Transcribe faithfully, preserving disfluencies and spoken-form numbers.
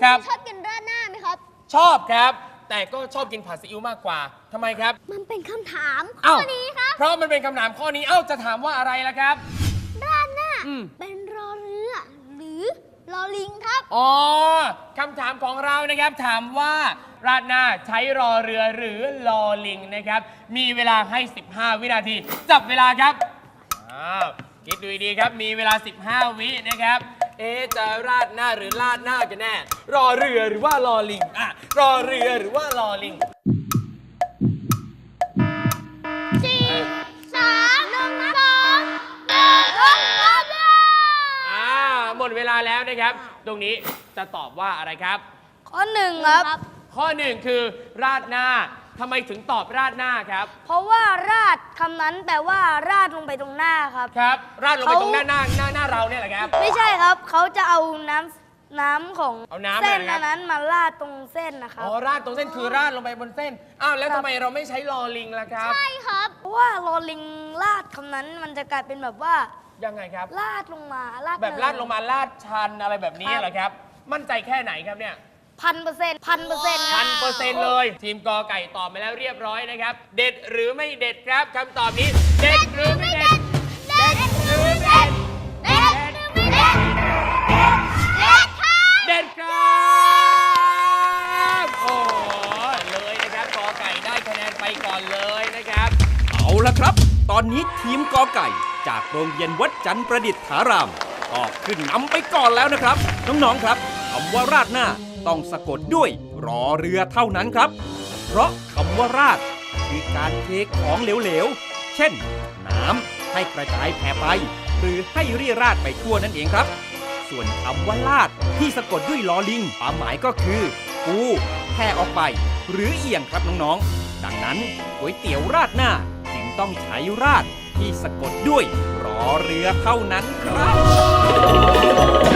ครับชอบกินราดหน้าไหมครับชอบครับ แต่ก็ชอบกินผัดซีอิ๊วมากกว่าทำไมครับมันเป็นคำถามข้เอ้าอนี้ครับเพราะมันเป็นคำถามข้อนี้เอ้าจะถามว่าอะไรล่ะครับราดหน้าอืมเป็นรอเรือหรือรอลิงครับอ๋อคำถามของเรานะครับถามว่าราดหน้าใช้รอเรือหรือรอลิงนะครับ มีเวลาให้ สิบห้า วินาที จับเวลาครับอ้าวคิดดูดีๆครับ มีเวลา สิบห้า วินะครับ เอ๊ะจะราดหน้าหรือราดหน้ากันแน่ รอเรือหรือว่ารอลิงอ่ะรอเรือหรือว่ารอลิงสี่ สาม หนึ่ง สองหนึ่งหมดเวลาอ่าหมดเวลาแล้วนะครับ ตรงนี้จะตอบว่าอะไรครับข้อหนึ่งครับข้อหนึ่งคือราดหน้าทำไมถึงตอบราดหน้าครับเพราะว่าราดคำนั้นแปลว่าราดลงไปตรงหน้าครับครับ ราดลงไปเขาตรงหน้าหน้าหน้าหน้าเราเนี่ยแหละครับไม่ใช่ครับ เขาจะเอาน้ำน้ำของเอาน้ำเส้นอะไรครับอันนั้นมาราดตรงเส้นนะครับอ๋อราดตรงเส้นคือราดลงไปบนเส้นอ้าวแล้วทำไมเราไม่ใช้ลอลิงล่ะครับใช่ครับเพราะว่าโรลลิงราดคำนั้นมันจะกลายเป็นแบบว่ายังไงครับราดลงมาราดแบบลาดลงมาลาดชันอะไรแบบนี้เหรอครับ มั่นใจแค่ไหนครับเนี่ยพันเปอร์เซ็นต์พันเปอร์เซ็นต์พันเปอร์เซ็นต์เลย ทีมกอไก่ตอบมาแล้วเรียบร้อยนะครับ เด็ดหรือไม่เด็ดครับคำตอบนี้ เด็ดหรือไม่เด็ด เด็ดหรือไม่เด็ดเด็ดหรือไม่เด็ด เด็ดครับเด็ดครับโอ้โหเลยนะครับกอไก่ได้คะแนนไปก่อนเลยนะครับเอาละครับ ตอนนี้ทีมกอไก่ จากโรงเรียนวัดจันทร์ประดิษฐารามก็ขึ้นนำไปก่อนแล้วนะครับ น้องๆครับคำว่าราดหน้าต้องสะกดด้วยรอเรือเท่านั้นครับ เพราะคำว่าราดคือการเทของเหลวๆ เช่น น้ำให้กระจายแผ่ไป หรือให้เรี่ยราดไปทั่วนั่นเองครับ ส่วนคำว่าลาดที่สะกดด้วยลอลิงความหมายก็คือปูแผ่ออกไป หรือเอียงครับน้องๆ ดังนั้นก๋วยเตี๋ยวราดหน้าจึงต้องใช้ราดที่สะกดด้วยรอเรือเท่านั้นครับ